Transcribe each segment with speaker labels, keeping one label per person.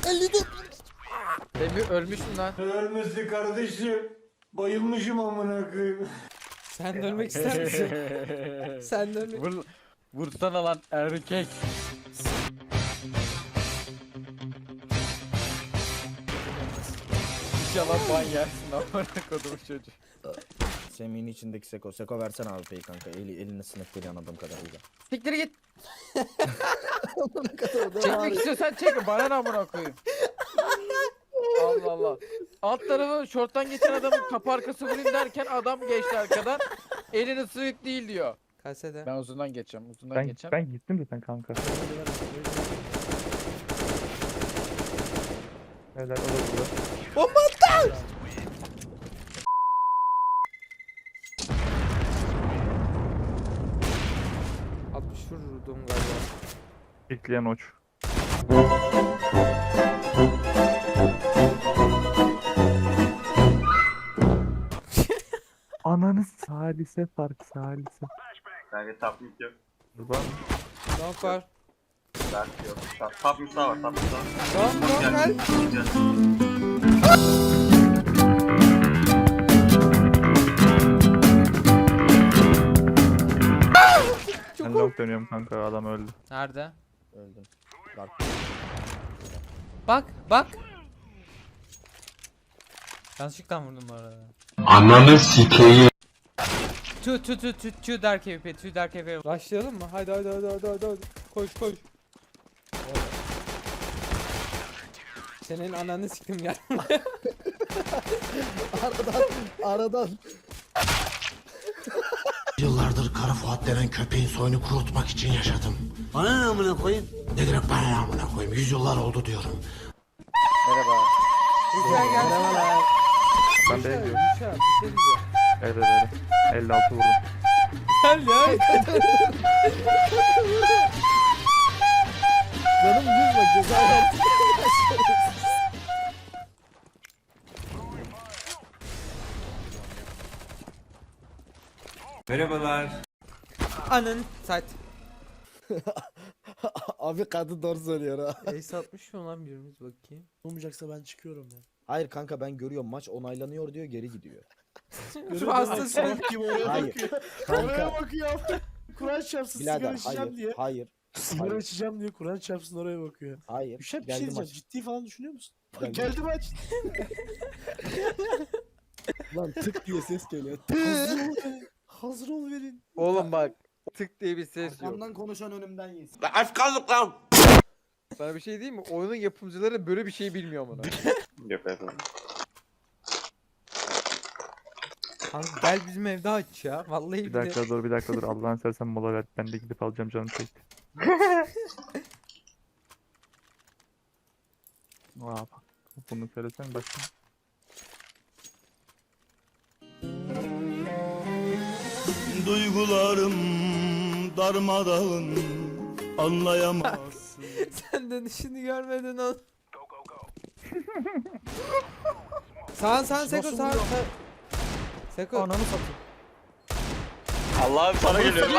Speaker 1: 54.
Speaker 2: Emir ölmüşsün lan.
Speaker 3: Ölmesi kardeşim. Bayılmışım amına koyayım.
Speaker 1: Sen dönmek ister misin? Sen dönmek...
Speaker 2: Vursana lan erkek. İnşallah ban yersin amına kodumu çocuğu.
Speaker 4: Semih'in içindeki Seko. Seko versene abi peyi kanka. Eline sinek geliyor anladığım kadarıyla.
Speaker 2: Siktir git.
Speaker 1: Ne kadar o da var
Speaker 2: Çekmek
Speaker 1: ya.
Speaker 2: istiyorsan çek. Bana ne amına koyayım. Allah Allah. Alt tarafı şorttan geçen adamın kapı arkası vurayım derken adam geçti arkadan. Elini sığık değil diyor.
Speaker 1: Kasede.
Speaker 2: Ben uzundan geçeceğim. Uzundan geçeceğim.
Speaker 5: Ben gittim zaten kanka. Helal o da burada.
Speaker 1: Bomba attı! Vurdum galiba.
Speaker 5: Bekleyen uç. Ananı salise fark salise.
Speaker 6: Kanka top mid yok.
Speaker 5: Buradan
Speaker 1: Long var.
Speaker 6: Dert yok. Top mid sağ var. Top mid sağ var.
Speaker 1: Long var.
Speaker 6: Güzel.
Speaker 5: ben long dönüyorum kanka adam öldü.
Speaker 1: Nerede?
Speaker 4: Öldüm. Dark.
Speaker 1: Bak. Yanlışlıkla vurdum bu arada.
Speaker 3: Ananı sikeyim.
Speaker 1: Tü dark AWP, tü dark AWP. Başlayalım mı? Haydi. Koş. Senin ananı siktim ya. aradan.
Speaker 7: Yıllardır Kara Fuat denen köpeğin soyunu kurutmak için yaşadım. Bana ne amına koyayım? Ne demek bana ne amına koyayım? Yüzyıllar oldu diyorum.
Speaker 2: Merhaba.
Speaker 1: Merhabalar.
Speaker 5: Ben de gidiyorum.
Speaker 1: Bir şey diyeceğim.
Speaker 5: Evet. 56 vurdum.
Speaker 1: Gel ya. Canım düz bak ceza verdik.
Speaker 3: Merhabalar.
Speaker 1: Anın saat.
Speaker 4: Abi kadın doğru söylüyor ha.
Speaker 1: Ace atmış mı lan birimiz bakayım.
Speaker 7: Olmayacaksa ben çıkıyorum ya.
Speaker 4: Hayır kanka ben görüyorum maç onaylanıyor diyor geri gidiyor.
Speaker 1: Şu hastasın.
Speaker 7: Kim oraya
Speaker 4: Hayır.
Speaker 7: bakıyor?
Speaker 4: Kanka
Speaker 7: Oraya bakıyor. Kur'an çarpsın sigara
Speaker 4: birader
Speaker 7: içeceğim diye.
Speaker 4: hayır.
Speaker 7: Sigara içeceğim diye Kur'an çarpsın oraya bakıyor.
Speaker 4: Hayır.
Speaker 7: Bir şey
Speaker 4: Geldi
Speaker 7: diyeceğim.
Speaker 4: maç.
Speaker 7: Ciddi falan düşünüyor musun?
Speaker 4: Geldi.
Speaker 7: Geldi maç.
Speaker 4: Lan tık diye ses geliyor.
Speaker 7: Hazır ol verin.
Speaker 2: Oğlum bak. Tık diye bir ses yok.
Speaker 4: Arkamdan konuşan önümden yesin.
Speaker 2: Sana bir şey diyeyim mi? Oyunun yapımcıları böyle bir şey bilmiyor bunu.
Speaker 6: Yok efendim.
Speaker 1: Kanka gel bizim evde aç ya. Vallahi
Speaker 5: Bir dakika dur Allah'ını seversen mola ver. Ben de gidip alacağım canım çekti. Aa bak. Bunu söylesen başka.
Speaker 7: Duygularım darmadağın anlayamazsın.
Speaker 1: Sen dönüşünü görmedin oğlum. Sağ Seko sağ. Seko.
Speaker 4: Ananı satayım.
Speaker 6: Allah'ım sana geliyor.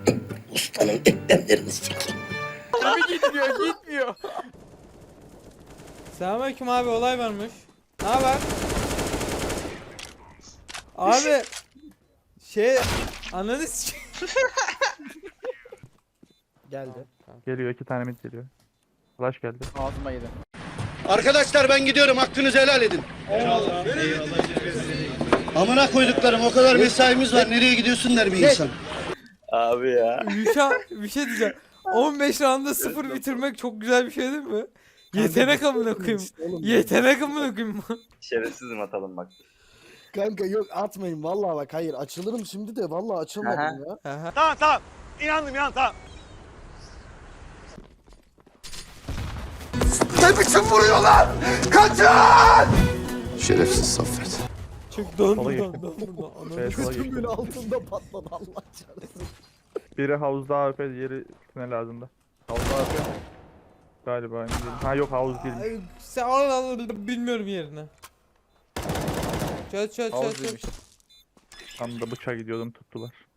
Speaker 2: Abi gitmiyor.
Speaker 1: Selamünaleyküm abi olay varmış. Ne haber? Abi ananı
Speaker 4: Geldi.
Speaker 5: Geliyor 2 tane mid geliyor. Flash geldi.
Speaker 2: Ağzıma yedi.
Speaker 7: Arkadaşlar ben gidiyorum hakkınızı helal edin. Eyvallah. Amına koyduklarım o kadar mesaimiz var nereye gidiyorsun der bir insan.
Speaker 6: Abi ya.
Speaker 1: bir şey diyeceğim. 15 rounda 0 bitirmek çok güzel bir şey değil mi? Yetenek amına koyayım. Yetenek amına koyayım.
Speaker 6: Şerefsizim atalım bak.
Speaker 4: Kanka yok atmayın vallahi bak hayır açılırım şimdi de vallahi açılmadım ya.
Speaker 1: Aha.
Speaker 6: Tamam. İnandım tamam.
Speaker 3: Ne biçim vuruyorlar? Kaçın!
Speaker 7: Şerefsiz Saffet.
Speaker 1: Çok don
Speaker 5: Sola
Speaker 1: buradan
Speaker 5: geçtim.
Speaker 1: don buradan. Ananı
Speaker 5: Evet, sola
Speaker 4: Bütün
Speaker 5: geçtim.
Speaker 4: böyle altında patladı Allah çarpsın.
Speaker 5: Biri havuzda AWP diğeri tünel ağzında. Havuzda AWP. Galiba emin değilim. Ha yok havuz değilmiş.
Speaker 1: Ay, sen al bilmiyorum yerini. Çöz.
Speaker 2: Havuzluymuş.
Speaker 5: Tam da bıçağa gidiyordum tuttular.